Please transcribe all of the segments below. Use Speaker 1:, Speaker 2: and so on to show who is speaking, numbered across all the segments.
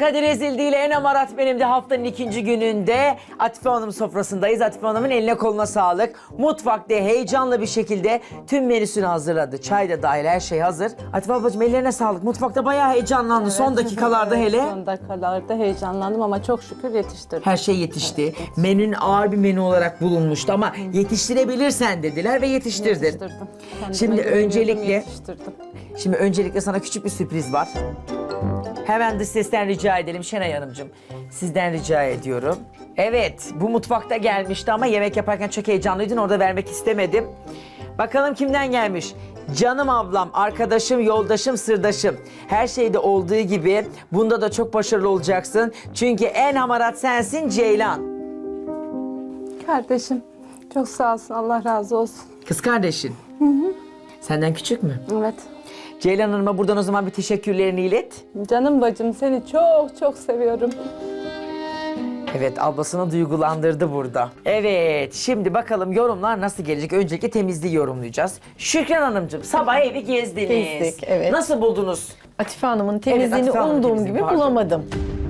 Speaker 1: Kadir Ezildi ile En Amarat benim de haftanın ikinci gününde Atife Hanım sofrasındayız. Atife Hanım'ın eline koluna sağlık. Mutfakta heyecanlı bir şekilde tüm menüsünü hazırladı. Çay da dahil her şey hazır. Atife ablacığım ellerine sağlık. Mutfakta bayağı heyecanlandı son dakikalarda hele.
Speaker 2: Son dakikalarda heyecanlandım ama çok şükür yetiştirdim.
Speaker 1: Her şey yetişti. Menün ağır bir menü olarak bulunmuştu ama yetiştirebilirsen dediler ve yetiştirdin.
Speaker 2: Yetiştirdim. Kendime
Speaker 1: Şimdi
Speaker 2: güveniyordum,
Speaker 1: öncelikle
Speaker 2: yetiştirdim.
Speaker 1: Şimdi öncelikle sana küçük bir sürpriz var. Hemen dış sesten rica edelim Şenay Hanımcığım. Sizden rica ediyorum. Evet, bu mutfakta gelmişti ama yemek yaparken çok heyecanlıydın. Orada vermek istemedim. Bakalım kimden gelmiş? Canım ablam, arkadaşım, yoldaşım, sırdaşım. Her şeyde olduğu gibi bunda da çok başarılı olacaksın. Çünkü en hamarat sensin Ceylan.
Speaker 2: Kardeşim çok sağ olsun, Allah razı olsun.
Speaker 1: Kız kardeşin. Senden küçük mü?
Speaker 2: Evet.
Speaker 1: Ceylan Hanım'a buradan o zaman bir teşekkürlerini ilet.
Speaker 2: Canım bacım, seni çok çok seviyorum.
Speaker 1: Evet, ablasını duygulandırdı burada. Evet, şimdi bakalım yorumlar nasıl gelecek? Öncelikle temizliği yorumlayacağız. Şükran Hanımcığım, sabah evi gezdiniz.
Speaker 3: Gezdik, evet.
Speaker 1: Nasıl buldunuz?
Speaker 3: Atife Hanım'ın temizliğini
Speaker 1: Atife Hanım'ın
Speaker 3: umduğum
Speaker 1: temizliğini,
Speaker 3: gibi
Speaker 1: pardon.
Speaker 3: bulamadım.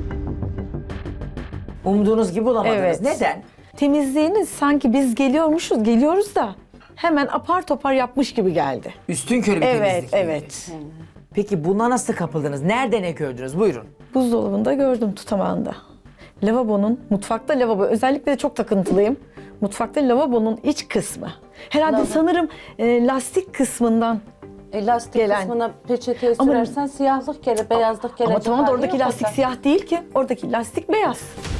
Speaker 1: Umduğunuz gibi bulamadınız.
Speaker 3: Evet.
Speaker 1: Neden?
Speaker 3: Temizliğini sanki biz geliyoruz da hemen apar topar yapmış gibi geldi.
Speaker 1: Üstünkörü bir
Speaker 3: Evet,
Speaker 1: temizlik. miydi?
Speaker 3: evet.
Speaker 1: Peki buna nasıl kapıldınız? Nerede ne gördünüz? Buyurun.
Speaker 3: Buzdolabında gördüm tutamağında. Mutfakta lavabo, özellikle de çok takıntılıyım. Mutfakta lavabonun iç kısmı. Herhalde sanırım lastik kısmından.
Speaker 2: Lastik
Speaker 3: Gelen.
Speaker 2: kısmına peçeteye
Speaker 3: Ama-
Speaker 2: sürersen siyahlık gelir, beyazlık gelir.
Speaker 3: Ama tamam da oradaki lastik siyah değil ki. Oradaki lastik beyaz.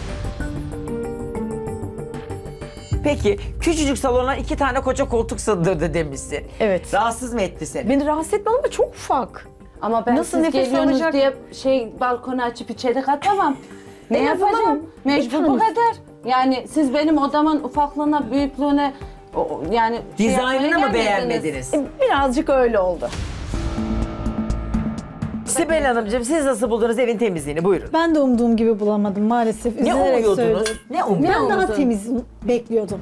Speaker 1: Peki, küçücük salona 2 tane koca koltuk sığdırdı demişsin.
Speaker 3: Evet.
Speaker 1: Rahatsız mı etti seni?
Speaker 3: Beni rahatsız etmedi ama çok ufak.
Speaker 2: Ama ben
Speaker 3: Nasıl
Speaker 2: siz
Speaker 3: nefes
Speaker 2: geliyorsunuz
Speaker 3: alacak?
Speaker 2: diye balkonu açıp içeri katamam. Ne
Speaker 3: En azından
Speaker 2: yapacağım? Mecbur bu
Speaker 3: tanım.
Speaker 2: kadar. Yani siz benim odamın ufaklığına, büyüklüğüne yani
Speaker 1: Dizaynını mı
Speaker 2: yapmaya gelmediniz.
Speaker 1: beğenmediniz?
Speaker 3: Birazcık öyle oldu.
Speaker 1: Sibel Hanımcığım, siz nasıl buldunuz evin temizliğini? Buyurun.
Speaker 4: Ben de umduğum gibi bulamadım maalesef.
Speaker 1: Ne
Speaker 4: Üzülerek
Speaker 1: umuyordunuz?
Speaker 4: söylüyorum.
Speaker 1: Ne umuyordunuz?
Speaker 4: Ben daha
Speaker 2: umdun?
Speaker 4: temiz bekliyordum.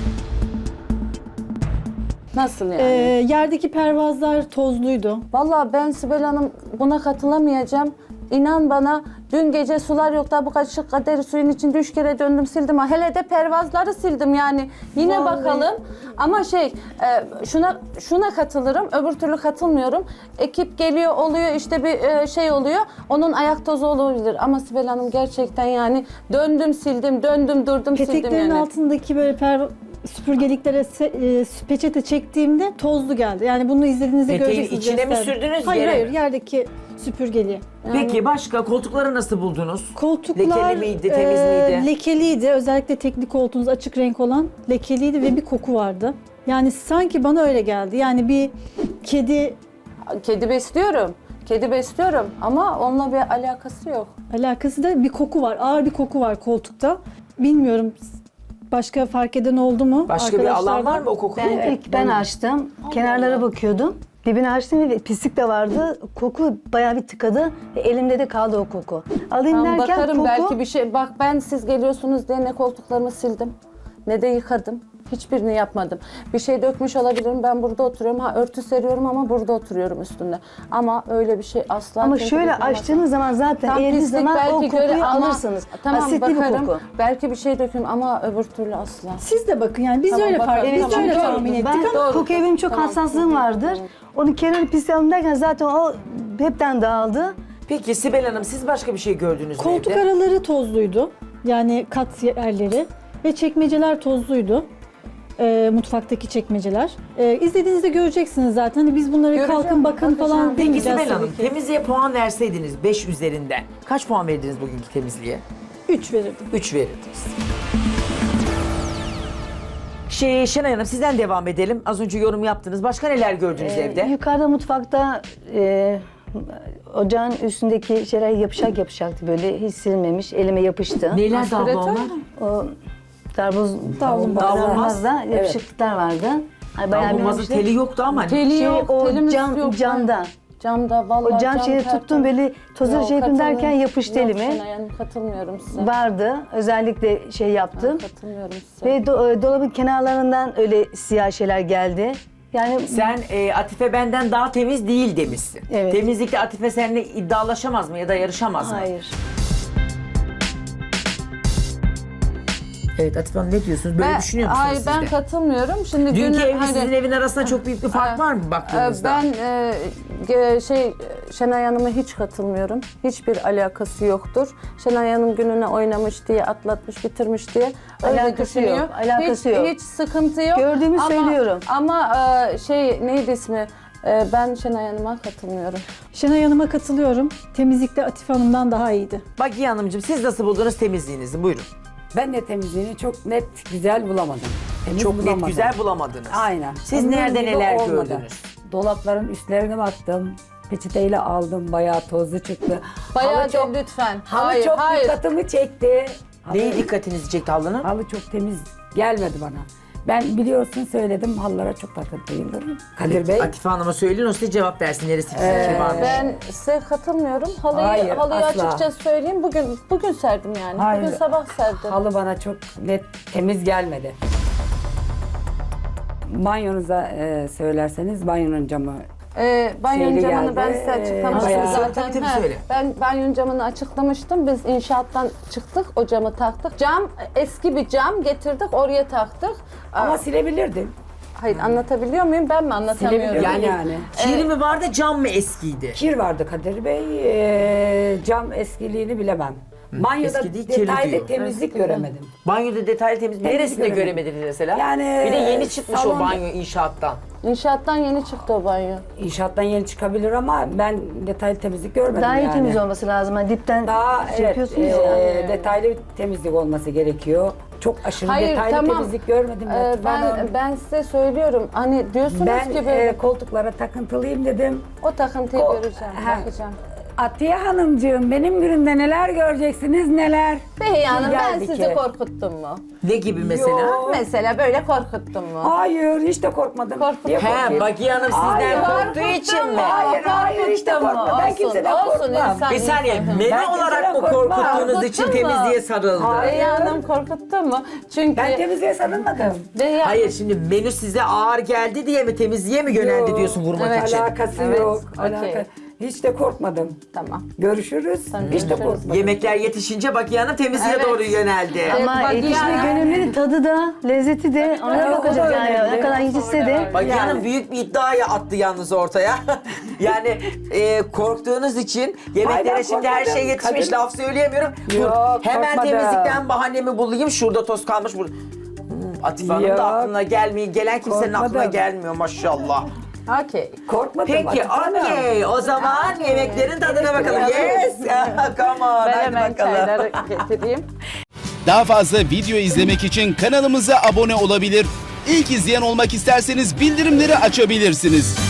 Speaker 2: Nasıl yani?
Speaker 4: Yerdeki pervazlar tozluydu.
Speaker 2: Vallahi ben Sibel Hanım buna katılamayacağım. İnan bana, dün gece sular yoktu. Bu kaşık kaderi suyun içinde 3 kere döndüm sildim. Hele de pervazları sildim yani. Yine
Speaker 4: Vallahi.
Speaker 2: bakalım. Ama şuna katılırım. Öbür türlü katılmıyorum. Ekip geliyor oluyor, işte bir şey oluyor. Onun ayak tozu olabilir. Ama Sibel Hanım gerçekten yani döndüm sildim, döndüm durdum sildim
Speaker 4: Peteklerin
Speaker 2: yani.
Speaker 4: altındaki böyle süpürgeliklere peçete çektiğimde tozlu geldi. Yani bunu izlediğinizde
Speaker 1: Peteğin
Speaker 4: göreceksiniz.
Speaker 1: içine mi
Speaker 4: gösterdim.
Speaker 1: sürdünüz,
Speaker 4: Hayır
Speaker 1: yere
Speaker 4: hayır,
Speaker 1: mi?
Speaker 4: yerdeki süpürgeliğe.
Speaker 1: Peki başka koltukları nasıl buldunuz?
Speaker 4: Koltuklar
Speaker 1: Lekeli miydi, temiz miydi?
Speaker 4: lekeliydi. Özellikle teknik koltuğunuz açık renk olan lekeliydi ve bir koku vardı. Yani sanki bana öyle geldi. Yani bir kedi
Speaker 2: Kedi besliyorum. Kedi besliyorum ama onunla bir alakası yok.
Speaker 4: alakası da bir koku var. Ağır bir koku var koltukta. Bilmiyorum başka fark eden oldu mu?
Speaker 1: Başka bir alan
Speaker 4: Arkadaşlardan?
Speaker 1: var mı o koku?
Speaker 5: İlk ben açtım. Kenarlara bakıyordum. Dibini açtım ve pislik de vardı. Koku bayağı bir tıkadı. Elimde de kaldı o koku. Alayım
Speaker 2: Tamam,
Speaker 5: derken
Speaker 2: bakarım
Speaker 5: koku...
Speaker 2: belki bir şey. Bak ben siz geliyorsunuz diye ne koltuklarımı sildim ne de yıkadım. Hiçbirini yapmadım. Bir şey dökmüş olabilirim. Ben burada oturuyorum. Örtü seriyorum ama burada oturuyorum üstünde. Ama öyle bir şey asla.
Speaker 5: Ama
Speaker 2: kimse
Speaker 5: şöyle
Speaker 2: dokunamaz.
Speaker 5: açtığınız zaman zaten
Speaker 2: Tam
Speaker 5: eğildiğiniz
Speaker 2: pislik
Speaker 5: zaman o
Speaker 2: belki
Speaker 5: kokuyu
Speaker 2: göre ama-
Speaker 5: alırsınız.
Speaker 2: Tamam
Speaker 5: Asitli
Speaker 2: bakarım.
Speaker 5: bir koku.
Speaker 2: Belki bir şey döküm ama öbür türlü asla.
Speaker 4: Siz de bakın yani biz
Speaker 2: Tamam,
Speaker 4: öyle
Speaker 2: bakalım.
Speaker 4: biz
Speaker 2: Tamam,
Speaker 4: öyle
Speaker 2: doğru.
Speaker 4: tahmin ettik
Speaker 5: Ben
Speaker 4: ama
Speaker 5: kokuya benim çok
Speaker 2: Tamam.
Speaker 5: hassaslığım vardır. Onu kenarı pisleyelim derken zaten o hepten dağıldı.
Speaker 1: Peki Sibel Hanım siz başka bir şey gördünüz mü
Speaker 4: koltuk
Speaker 1: evde?
Speaker 4: araları tozluydu. Yani kat yerleri ve çekmeceler tozluydu. Mutfaktaki çekmeceler. İzlediğinizde göreceksiniz zaten. Hani biz bunları
Speaker 2: Göreceğim,
Speaker 4: kalkın bakın
Speaker 2: bakacağım.
Speaker 4: falan
Speaker 1: Peki
Speaker 4: demeyeceğiz
Speaker 1: Sibel Hanım
Speaker 4: tabii ki.
Speaker 1: temizliğe puan verseydiniz 5 üzerinden kaç puan verdiniz bugünkü temizliğe?
Speaker 4: 3 verirdim.
Speaker 1: 3 verirdiniz. Şenay Hanım sizden devam edelim. Az önce yorum yaptınız. Başka neler gördünüz evde?
Speaker 5: Yukarıda mutfakta ocağın üstündeki şeyler yapışak yapışaktı böyle. Hiç silmemiş. Elime yapıştı.
Speaker 1: Neler de abla
Speaker 2: Aspiratör
Speaker 1: onlar?
Speaker 2: mü?
Speaker 5: O
Speaker 1: Davlumbaz.
Speaker 5: davlumbazda yapışıklıklar vardı. Hani bayağı
Speaker 1: Davlumbazın
Speaker 5: bir
Speaker 1: teli yoktu ama.
Speaker 2: Teli
Speaker 5: şey,
Speaker 2: yok,
Speaker 5: o
Speaker 2: telimiz yok.
Speaker 5: camda.
Speaker 2: Camda vallahi
Speaker 5: O cam şeyi
Speaker 2: tertemiz.
Speaker 5: tuttum böyle tozu
Speaker 2: Yok,
Speaker 5: şey yapayım derken
Speaker 2: katılmıyorum.
Speaker 5: yapıştı
Speaker 2: Yok,
Speaker 5: elime.
Speaker 2: Şenay Hanım, katılmıyorum size.
Speaker 5: Vardı. Özellikle şey yaptım.
Speaker 2: Katılmıyorum size.
Speaker 5: Ve dolabın kenarlarından öyle siyah şeyler geldi. Yani
Speaker 1: Sen Atife benden daha temiz değil demişsin.
Speaker 5: Evet.
Speaker 1: Temizlikte Atife seninle iddialaşamaz mı ya da yarışamaz mı?
Speaker 5: hayır.
Speaker 1: Evet Atife Hanım ne diyorsunuz? Böyle düşünüyor musunuz
Speaker 2: Hayır
Speaker 1: siz
Speaker 2: ben
Speaker 1: de?
Speaker 2: katılmıyorum. Şimdi
Speaker 1: Dünkü evle
Speaker 2: hani-
Speaker 1: sizin evin arasında çok büyük bir fark var mı baktığınızda?
Speaker 2: Ben Şenay Hanım'a hiç katılmıyorum. Hiçbir alakası yoktur. Şenay Hanım gününe oynamış diye, atlatmış, bitirmiş diye öyle
Speaker 5: Alakası
Speaker 2: düşünüyor.
Speaker 5: yok, alakası yok.
Speaker 2: Hiç sıkıntı yok.
Speaker 5: Gördüğümü söylüyorum.
Speaker 2: Ama neydi ismi? Ben Şenay Hanım'a katılmıyorum.
Speaker 4: Şenay Hanım'a katılıyorum. Temizlikte Atife Hanım'dan daha iyiydi.
Speaker 1: Bakiye Hanımcığım siz nasıl buldunuz temizliğinizi? Buyurun.
Speaker 6: Ben de temizliğini çok net, güzel bulamadım. Temiz
Speaker 1: Çok net
Speaker 6: bulamadım.
Speaker 1: güzel bulamadınız.
Speaker 6: Aynen.
Speaker 1: Siz
Speaker 6: Onun
Speaker 1: nerede
Speaker 6: gibi
Speaker 1: neler
Speaker 6: olmadı.
Speaker 1: gördünüz?
Speaker 6: Dolapların üstlerine baktım. Peçeteyle aldım. Bayağı tozlu çıktı.
Speaker 2: Bayağı
Speaker 6: Halı çok,
Speaker 2: lütfen.
Speaker 6: halı
Speaker 2: Hayır,
Speaker 6: çok
Speaker 2: hayır.
Speaker 6: dikkatimi çekti.
Speaker 1: Neyi dikkatinizi çekti halının?
Speaker 6: Halı çok temiz gelmedi bana. Ben biliyorsun söyledim halılara çok takıntılıyımdır. Kadir Bey.
Speaker 1: Atife Hanım'a söyleyin o size cevap versin. Neresi fikri varmış.
Speaker 2: Ben size katılmıyorum.
Speaker 6: Hayır,
Speaker 2: Halıyı
Speaker 6: asla.
Speaker 2: açıkça söyleyeyim. Bugün serdim yani.
Speaker 6: Hayır.
Speaker 2: Bugün sabah serdim.
Speaker 6: Halı bana çok net temiz gelmedi. Banyonuza söylerseniz banyonun camı
Speaker 2: Banyonun
Speaker 6: Şeyli
Speaker 2: camını
Speaker 6: geldi.
Speaker 2: ben size açıklamıştım
Speaker 6: Bayağı-
Speaker 2: zaten.
Speaker 1: Tabii, söyle.
Speaker 2: Ben banyonun camını açıklamıştım. Biz inşaattan çıktık, o camı taktık. Cam, eski bir cam getirdik, oraya taktık.
Speaker 6: ama silebilirdim.
Speaker 2: Hayır, anlatabiliyor muyum? Ben mi anlatamıyorum?
Speaker 6: Silebilirim.
Speaker 1: Yani,
Speaker 6: Yani.
Speaker 1: kiri mi vardı cam mı eskiydi?
Speaker 6: Kir vardı Kadir Bey. Cam eskiliğini bilemem. Banyoda
Speaker 1: eski değil, kirli
Speaker 6: detaylı
Speaker 1: diyor.
Speaker 6: temizlik göremedim.
Speaker 1: Banyoda detaylı temizlik. Neresinde
Speaker 6: göremedim.
Speaker 1: göremediniz mesela?
Speaker 6: Yani,
Speaker 1: bir de yeni çıkmış o
Speaker 6: salon-
Speaker 1: banyo inşaattan.
Speaker 2: İnşaattan yeni çıktı o banyo.
Speaker 6: İnşaattan yeni çıkabilir ama ben detaylı temizlik görmedim
Speaker 5: Daha iyi
Speaker 6: yani.
Speaker 5: temiz olması lazım. Hani dipten
Speaker 6: Daha
Speaker 5: şey
Speaker 6: evet,
Speaker 5: yapıyorsunuz ya.
Speaker 6: detaylı temizlik olması gerekiyor. Çok aşırı
Speaker 2: Hayır,
Speaker 6: detaylı
Speaker 2: tamam.
Speaker 6: temizlik görmedim. Latif Hanım.
Speaker 2: Ben size söylüyorum. Hani diyorsunuz
Speaker 6: Ben
Speaker 2: ki böyle
Speaker 6: koltuklara takıntılıyım dedim.
Speaker 2: o takıntıyı göreceğim,
Speaker 6: Ha.
Speaker 2: bakacağım.
Speaker 6: Atiye Hanımcığım benim günümde neler göreceksiniz neler.
Speaker 2: Behiye Hanım ben
Speaker 6: Geldi
Speaker 2: sizi
Speaker 6: ki.
Speaker 2: korkuttum mu?
Speaker 1: Ne gibi mesela?
Speaker 6: Yok.
Speaker 2: Mesela böyle korkuttum mu?
Speaker 6: Hayır hiç de korkmadım.
Speaker 2: Korkuttum.
Speaker 6: Niye
Speaker 1: He,
Speaker 6: korkayım?
Speaker 1: Bakiye Hanım sizden
Speaker 6: Hayır,
Speaker 1: korktuğu için mi?
Speaker 6: Hayır, hiç de korkma. Ben kimseden korkmam.
Speaker 2: insan
Speaker 1: Bir saniye,
Speaker 2: insan.
Speaker 1: menü
Speaker 6: Ben
Speaker 1: olarak mı
Speaker 6: kimseden korkmam.
Speaker 1: korkuttuğunuz için
Speaker 2: Korkuttun mu?
Speaker 1: temizliğe sarıldı?
Speaker 6: Hayır.
Speaker 2: Behiye Hanım korkuttu mu? Çünkü
Speaker 6: Ben temizliğe sarılmadım.
Speaker 2: Behiye
Speaker 1: Hayır şimdi menü size ağır geldi diye mi temizliğe mi yöneldi
Speaker 6: Yok,
Speaker 1: diyorsun vurmak
Speaker 2: evet.
Speaker 1: için?
Speaker 6: Alakası
Speaker 2: Evet,
Speaker 6: yok.
Speaker 2: okey.
Speaker 6: Hiç de korkmadım.
Speaker 2: Tamam.
Speaker 6: Görüşürüz. Hiç de
Speaker 2: görüşürüz.
Speaker 6: korkmadım.
Speaker 1: Yemekler yetişince Bakiye Hanım temizliğe
Speaker 2: Evet.
Speaker 1: doğru yöneldi.
Speaker 5: Ama
Speaker 2: bak
Speaker 5: yetişme
Speaker 2: yani-
Speaker 5: gönüllünün tadı da, lezzeti de ona
Speaker 6: tabii,
Speaker 5: bakacağız
Speaker 6: o da
Speaker 5: yani.
Speaker 6: önemli.
Speaker 5: Ne kadar yetişse de.
Speaker 1: Bakiye Hanım büyük bir iddiayı attı yalnız ortaya. Yani korktuğunuz için yemeklere
Speaker 6: Hayır, ben
Speaker 1: şimdi her şey
Speaker 6: korkmadım.
Speaker 1: yetişmiş
Speaker 6: Kadın-
Speaker 1: laf söyleyemiyorum.
Speaker 6: Yok,
Speaker 1: Hemen
Speaker 6: korkmadım.
Speaker 1: temizlikten bahanemi bulayım. Şurada toz kalmış. Atife Hanım
Speaker 6: Yok.
Speaker 1: da aklına gelmiyor. Gelen kimsenin aklına
Speaker 6: Korkmadım.
Speaker 1: gelmiyor maşallah.
Speaker 2: okey.
Speaker 6: Korkmadım.
Speaker 1: Peki
Speaker 6: Atife Hanım.
Speaker 1: okey. O zaman yemeklerin tadına bakalım. Yes. Come on.
Speaker 2: Ben
Speaker 1: Hadi
Speaker 2: hemen
Speaker 1: bakalım.
Speaker 2: çayları getireyim.
Speaker 7: Daha fazla video izlemek için kanalımıza abone olabilir. İlk izleyen olmak isterseniz bildirimleri açabilirsiniz.